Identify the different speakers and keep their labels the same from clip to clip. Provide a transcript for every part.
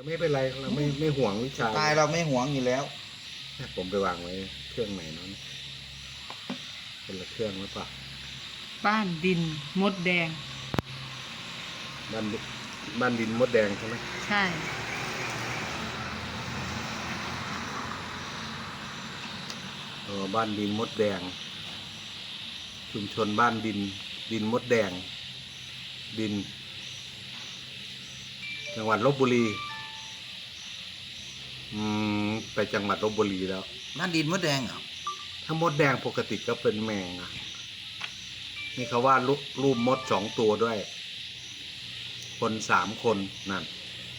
Speaker 1: ไม่เป็นไรเราไม่ห่วงวิชา
Speaker 2: ตายเราไม่หวงอยู่แล้ว
Speaker 1: ผมไปวางไว้เครื่องไหนนั้นเป็นละเครื่องหรือเปล่า
Speaker 3: บ้านดินมดแดง
Speaker 1: บ้านดินมดแดงใช่ไหม
Speaker 3: ใช่
Speaker 1: บ้านดินมดแดงชุมชนบ้านดินมดแดงดินจังหวัดลพบุรีไปจังหวัดลพบุรีแล้ว
Speaker 2: บ้านดินมดแดงเหรอ
Speaker 1: ถ้ามดแดงปกติก็เป็นแมงอ่ะนี่เขาว่ารูปมด2 ตัวด้วยคน3 คนนั่น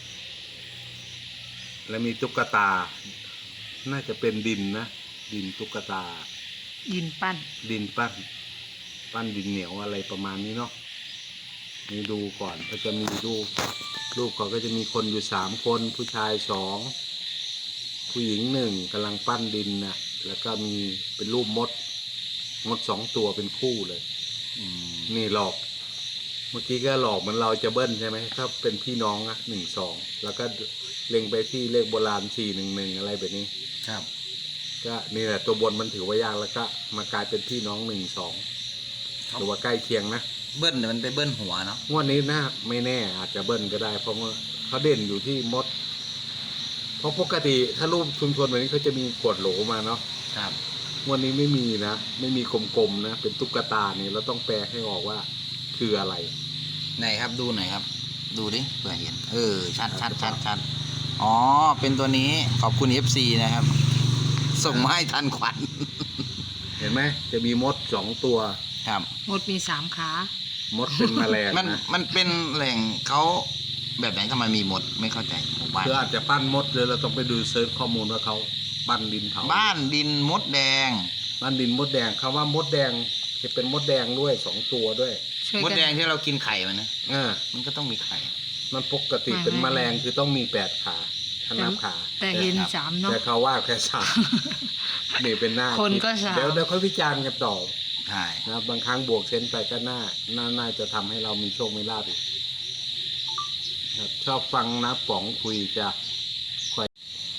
Speaker 1: แล้วมีตุ๊กตาน่าจะเป็นดินนะดินตุ๊กตา
Speaker 3: ดินปั้น
Speaker 1: ดินเหนียวอะไรประมาณนี้เนาะนี่ดูก่อนก็จะมีรูปเขาก็จะมีคนอยู่3 คนผู้ชาย2ผู้หญิง1กำลังปั้นดินนะแล้วก็มีเป็นรูปมด2 ตัวเป็นคู่เลยนี่หลอกเมื่อกี้ก็หลอกเหมือนเราจะเบิ้ลใช่ไหมถ้าเป็นพี่น้องอะ1 2แล้วก็เล็งไปที่เลขโบราณ411อะไรแบบนี้
Speaker 2: ครับ
Speaker 1: ก็นี่แหละตัวบนมันถือว่ายากแล้วก็มากลายเป็นพี่น้อง1 2หรือว่าใกล้เคียงนะ
Speaker 2: เบิ้ลมันไปเบิ้ลหัวเนาะ
Speaker 1: งวดนี้นะไม่แน่อาจจะเบิ้ลก็ได้เพราะว่าเขาเด่นอยู่ที่มดเพราะปกติถ้ารูปชุมชนแบบนี้เขาจะมีขวดโหลมาเนาะ
Speaker 2: ครับ
Speaker 1: งวดนี้ไม่มีนะไม่มีกลมๆนะเป็นตุ๊กตาเนี่ยเราต้องแปลให้ออกว่าคืออะไร
Speaker 2: ไหนครับดูหน่อยครับดูดิเผื่อเห็นชัดอ๋อเป็นตัวนี้ขอบคุณ FC นะครับส่งมาให้ทันขวัญ
Speaker 1: เห็นไหมจะมีมด2 ตัว
Speaker 2: ครับ
Speaker 3: มดมี3 ขาม
Speaker 1: ดเป็นแมลง
Speaker 2: มันเป็นแหล่งเขาแบบไหนทำไมมีมดไม่เข้าใจหมู่บ้าน
Speaker 1: คืออาจจะปั้นมดเลยเราต้องไปดูเซิร์ชข้อมูลว่าเขาปั้นดินเผา
Speaker 2: บ้านดินมดแดง
Speaker 1: บ้านดินมดแดงคำว่ามดแดงจะเป็นมดแดงด้วย2 ตัวด้วย
Speaker 2: มดแดงที่เรากินไข่มันนะมันก็ต้องมีไข่
Speaker 1: มันปกติเป็นแมลงคือต้องมี8 ขาถ้านับขา
Speaker 3: แต่เห็น3เนาะ
Speaker 1: แต่เขาว่าแค่3นี่เป็นหน้า
Speaker 3: คนก็3
Speaker 1: เดี๋ยวค่อยวิจารณ์กันต่อ
Speaker 2: ใช่
Speaker 1: นะบางครั้งบวกเซนไปก็น่าจะทำให้เรามีโชคไม่ลาภอีกชอบฟังนะป๋องคุยจะค่อย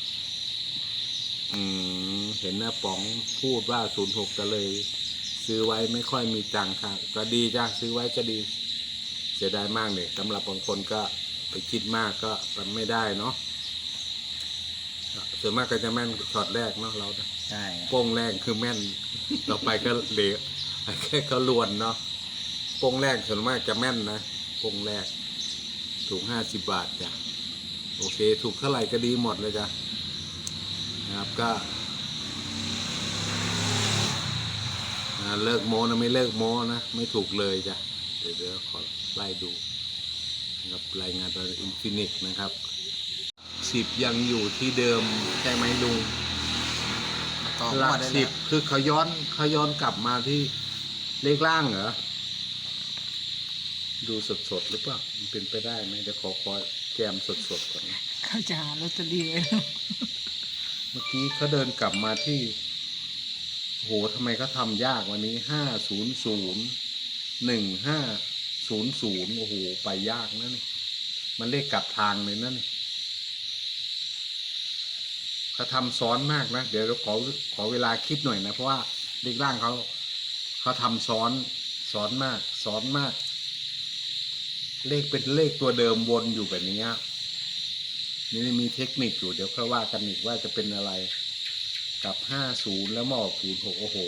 Speaker 1: เห็นนะป๋องพูดว่า06ก็เลยซื้อไว้ไม่ค่อยมีตังค์ค่ะก็ดีจ้ะซื้อไว้ก็ดีเสียดายมากเลยสำหรับบางคนก็ไปคิดมากก็ไม่ได้เนาะส่วนมากก็จะแม่นช็อตแรกเนาะเรา
Speaker 2: ใช่
Speaker 1: โป้งแรกคือแม่นเราไปก็เหลวแค่เขาลวนเนาะโป้งแรกส่วนมากจะแม่นนะโป้งแรกถูก50 บาทจ้ะโอเคถูกเท่าไหร่ก็ดีหมดเลยจ้ะนะครับก็เลิกโม้นะไม่เลิกโม้นะไม่ถูกเลยจ้ะเดี๋ยวขอไล่ดูนะครับรายงานตอนอินฟินิกนะครับ10ยังอยู่ที่เดิมใช่ไหมลุงหลัก10คือเขาย้อนกลับมาที่เลขล่างเหรอดูสดหรือเปล่ามันเป็นไปได้ไหมเดี๋ยวขอแจมสดก่อน
Speaker 3: เขาจะหาลอตเตอรี่ไว้
Speaker 1: เมื่อกี้เขาเดินกลับมาที่โหทำไมเขาทำยากวันนี้5001500โอ้โหไปยากนะนี่มันเลขกลับทางเลยนะนี่เขาทำซ้อนมากนะเดี๋ยวเราขอเวลาคิดหน่อยนะเพราะว่าเลขล่างเขาทำซ้อนมากเลขเป็นเลขตัวเดิมวนอยู่แบบนี้นี่มีเทคนิคอยู่เดี๋ยวค่อยว่ากันอีกว่าจะเป็นอะไรกับ50แล้วมาออก06โอ้โห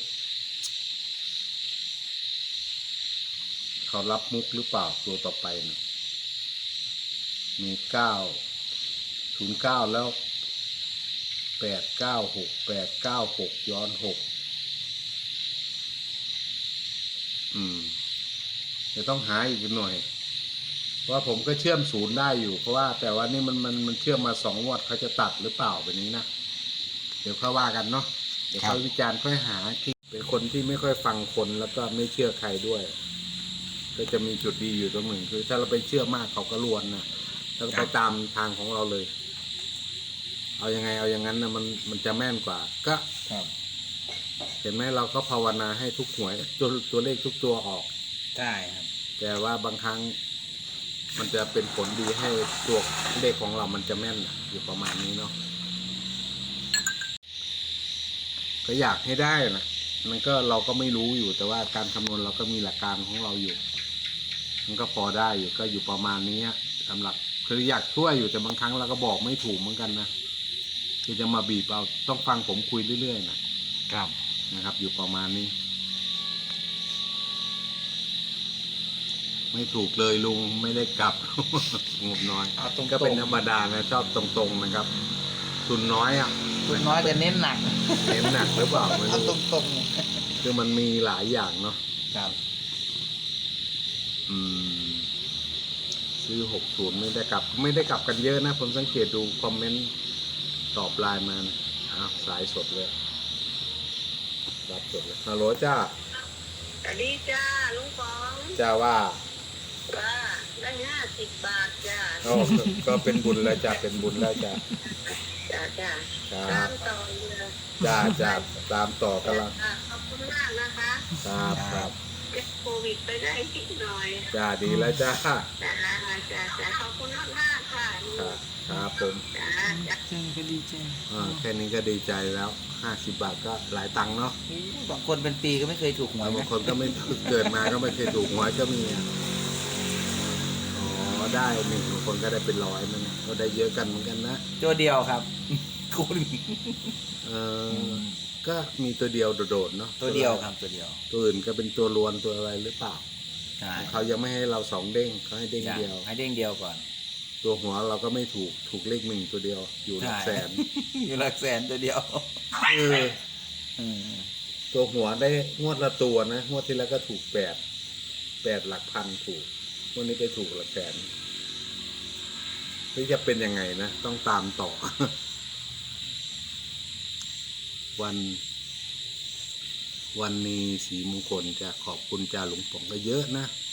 Speaker 1: เขารับมุกหรือเปล่าตัวต่อไปนะมี909แล้ว896ย้อน6จะต้องหาอีกหน่อยเพราะว่าผมก็เชื่อม0ได้อยู่เพราะว่าแต่ว่านี่มันเชื่อมมา2 งวดเขาจะตัดหรือเปล่าแบบนี้นะเดี๋ยวค่อยว่ากันเนาะเดี๋ยวค่อยวิจารณ์ค่อยหาที่เป็นคนที่ไม่ค่อยฟังคนแล้วก็ไม่เชื่อใครด้วยก็จะมีจุดดีอยู่ตรงหนึ่งคือถ้าเราไปเชื่อมากเขาก็ลวนนะแล้วก็ไปตามทางของเราเลยเอายังไงเอาอย่างนั้นนะมันจะแม่นกว่าก็เห็นไหมเราก็ภาวนาให้ทุกหวยตัวเลขทุกตัวออก
Speaker 2: ใช่ครับ
Speaker 1: แต่ว่าบางครั้งมันจะเป็นผลดีให้ตัวเลขของเรามันจะแม่นนะอยู่ประมาณนี้เนาะก็อยากให้ได้นะมันก็เราก็ไม่รู้อยู่แต่ว่าการคำนวณเราก็มีหลักการของเราอยู่ มันก็พอได้อยู่ก็อยู่ประมาณนี้สำหรับคืออยากช่วยอยู่แต่บางครั้งเราก็บอกไม่ถูกเหมือนกันนะคือจะมาบีบเอาต้องฟังผมคุยเรื่อยๆนะครับ นะครับ อยู่ประมาณนี้ ไม่ถูกเลยลุงไม่ได้กลับ งบน้อย
Speaker 2: เอาตรงๆ
Speaker 1: ก็เป็นธรรมดานะชอบตรงๆนะครับทุนน้อยอ่ะ
Speaker 2: คุณน้อยแต่เน้นหนัก
Speaker 1: เน้นหนักหรือเปล่าไม่
Speaker 2: เอา
Speaker 1: รู้
Speaker 2: ตรง
Speaker 1: คือมันมีหลายอย่างเนาะ
Speaker 2: ๆครับ
Speaker 1: อืมซื้อ60ไม่ได้กลับ ไม่ได้กลับกันเยอะนะผมสังเกตดูคอมเมนต์ตอบไลน์มานะอ้าวสายสดเลยรับสดเลยฮัลโหลจ้า
Speaker 4: สวัสดีจ้าลุงฟอง
Speaker 1: จ้าว่า
Speaker 4: ว่าได้50 บาทจ้า
Speaker 1: ก็เป็นบุญแล้วจ้าเป็นบุญแล้วจ้า
Speaker 4: จ้าจ้า
Speaker 1: ครับ
Speaker 4: ตามต่อเลย
Speaker 1: จ้าตามต่อกันละ
Speaker 4: จ้าขอบคุณมากนะคะ
Speaker 1: ครับ
Speaker 4: เก็บโควิดไปได้นิดหน่อย
Speaker 1: จ้าดีแล้วจ้า
Speaker 4: จ้าจ้าขอบคุณมากๆค่ะ
Speaker 1: ครับผม
Speaker 4: จ้าจ้า
Speaker 3: เจนก็ดีใจ
Speaker 1: แค่นี้ก็ดีใจแล้ว50 บาทก็หลายตังค์เนาะ
Speaker 2: บางคนเป็นปีก็ไม่เคยถูกหวย
Speaker 1: บาง
Speaker 2: นะ
Speaker 1: คนก็ไม่เกิดมาก็ไม่เคยถูกหวยก็มีอะอ๋อได้หนึ่งบางคนก็ได้เป็นร้อยมันก็ได้เยอะกันเหมือนกันนะ
Speaker 2: ตัวเดียวครับ คุณ
Speaker 1: เออก็มีตัวเดียวโดดๆเนาะ
Speaker 2: ตัวเดียวครับตัวเดียว
Speaker 1: ตัวอื่นก็เป็นตัวรวนตัวอะไรหรือเปล่า
Speaker 2: ใช่
Speaker 1: เขายังไม่ให้เรา2 เด้งเขาให้เด้ง
Speaker 2: ใช่
Speaker 1: เดียว
Speaker 2: ให้เด้งเดียวก่อน
Speaker 1: ตัวหัวเราก็ไม่ถูกเลข1ตัวเดียว อยู่หลักแสน
Speaker 2: อยู่หลักแสนตัวเดียว
Speaker 1: เออ
Speaker 2: อืม
Speaker 1: ตัวหัวได้งวดละตัวนะงวดที่แล้วก็ถูก8หลักพันถูกงวดนี้ไปถูกหลักแสนนี่จะเป็นยังไงนะต้องตามต่อ วันนี้สีมงคลจะขอบคุณจ่าหลวงป๋องก็เยอะนะ